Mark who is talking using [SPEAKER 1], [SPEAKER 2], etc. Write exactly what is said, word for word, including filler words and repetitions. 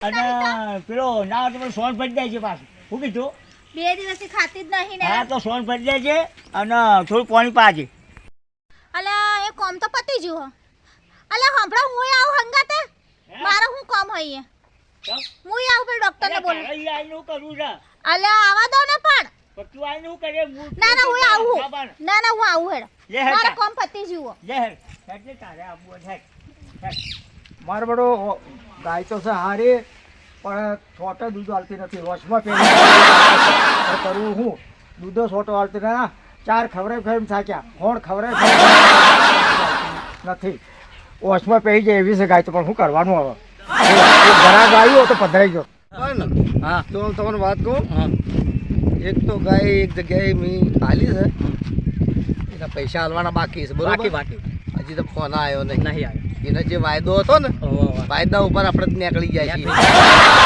[SPEAKER 1] અને પેલો ના તમે સોન પડી જાય છે પાછું શું કીધું
[SPEAKER 2] બે દિવસથી ખાતી જ નહીં ને
[SPEAKER 1] હા તો સોન પડી જાય છે અને થોડું પાણી પાજે
[SPEAKER 2] અલા એ કોમ તો પતી ગયું અલા હમણાં હું આવું હંગાતે મારે હું કોમ હોય હું આવું પેલો ડોક્ટર ને બોલું
[SPEAKER 1] આઈનું કરવું છે
[SPEAKER 2] અલા આવા દો ને પણ
[SPEAKER 1] તું આઈનું કરે
[SPEAKER 2] ના ના હું આવું ના ના હું આવું હેડ
[SPEAKER 1] લે હેડ
[SPEAKER 2] મારે કોમ પતી ગયું
[SPEAKER 1] લે હેડ એટલે તારે આવું હેડ હેડ
[SPEAKER 3] મારો બડો ગાય તો છે હારી પણ છોટે દૂધ હાલતી નથી વોશમાં પહેરી કરવું હું દૂધો છોટો હાલતી ના ચાર ખવડાવી ખવડાવી થાક્યા કોણ ખવડાવી નથી વોશમાં પહેરી જાય એવી છે ગાય તો પણ શું કરવાનું હવે ઘરાક આવ્યું તો પધરાઈ ગયો
[SPEAKER 4] હા તો હું તમને વાત કહું એક તો ગાય એક જગ્યાએ મેં હાલી છે એના પૈસા હાલવાના બાકી છે બરોબર બાકી હજી તો ફોન આવ્યો નહીં નહીં આવ્યો એનો જે વાયદો હતો ને વાયદા ઉપર આપણે નીકળી જાય છે